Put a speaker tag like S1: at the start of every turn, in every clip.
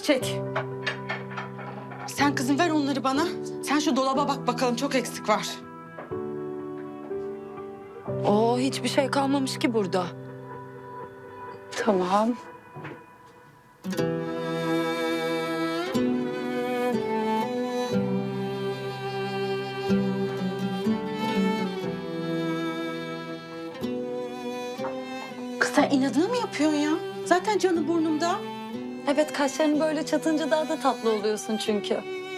S1: Çiçek. Sen kızım ver onları bana. Sen şu dolaba bak bakalım, çok eksik var.
S2: Hiçbir şey kalmamış ki burada.
S1: Tamam. Kız sen inadına mı yapıyorsun ya? Zaten canı burnumda.
S2: Evet, kaşlarını böyle çatınca daha da tatlı oluyorsun çünkü.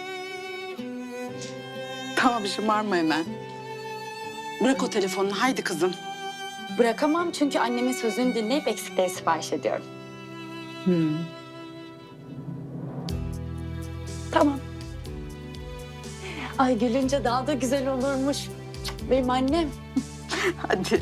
S1: Tamam, şımarma hemen. Bırak o telefonunu, haydi kızım.
S2: Bırakamam çünkü annemin sözünü dinleyip eksikleri sipariş ediyorum. Tamam. Ay gülünce daha da güzel olurmuş. Benim annem.
S1: Hadi.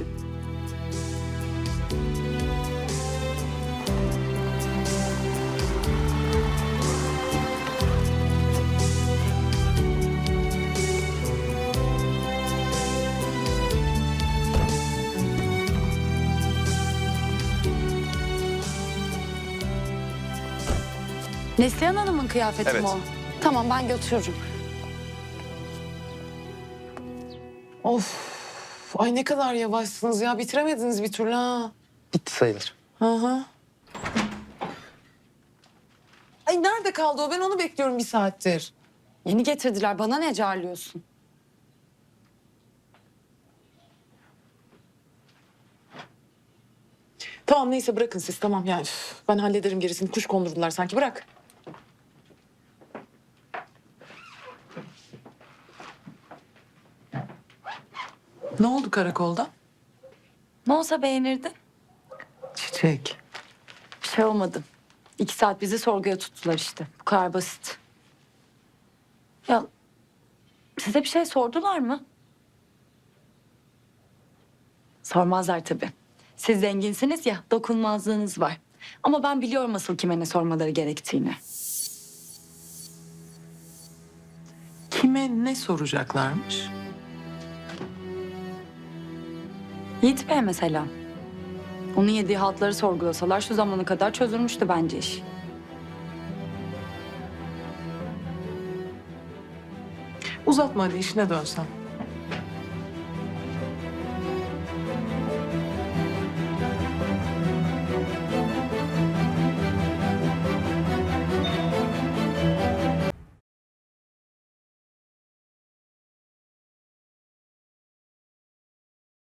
S2: Neslihan Hanım'ın kıyafeti
S3: Evet.
S2: mi o? Tamam, ben götürürüm.
S4: Of. Ay ne kadar yavaşsınız ya. Bitiremediniz bir türlü ha.
S3: Bitti sayılır.
S4: Hı hı. Ay nerede kaldı o? Ben onu bekliyorum bir saattir.
S2: Yeni getirdiler. Bana ne carlıyorsun?
S4: Tamam neyse bırakın siz tamam yani. Üf, ben hallederim gerisini. Kuş kondurdular sanki bırak. Ne oldu karakolda?
S2: Ne olsa beğenirdin.
S4: Çiçek.
S2: Bir şey olmadı. 2 saat bizi sorguya tuttular işte. Bu kadar basit. Ya size bir şey sordular mı? Sormazlar tabii. Siz zenginsiniz ya, dokunmazlığınız var. Ama ben biliyorum asıl kime ne sormaları gerektiğini.
S4: Kime ne soracaklarmış?
S2: Yiğit Bey mesela. Onun yediği haltları sorgulasalar şu zamana kadar çözülmüştü bence iş.
S4: Uzatma hadi işine dönsen.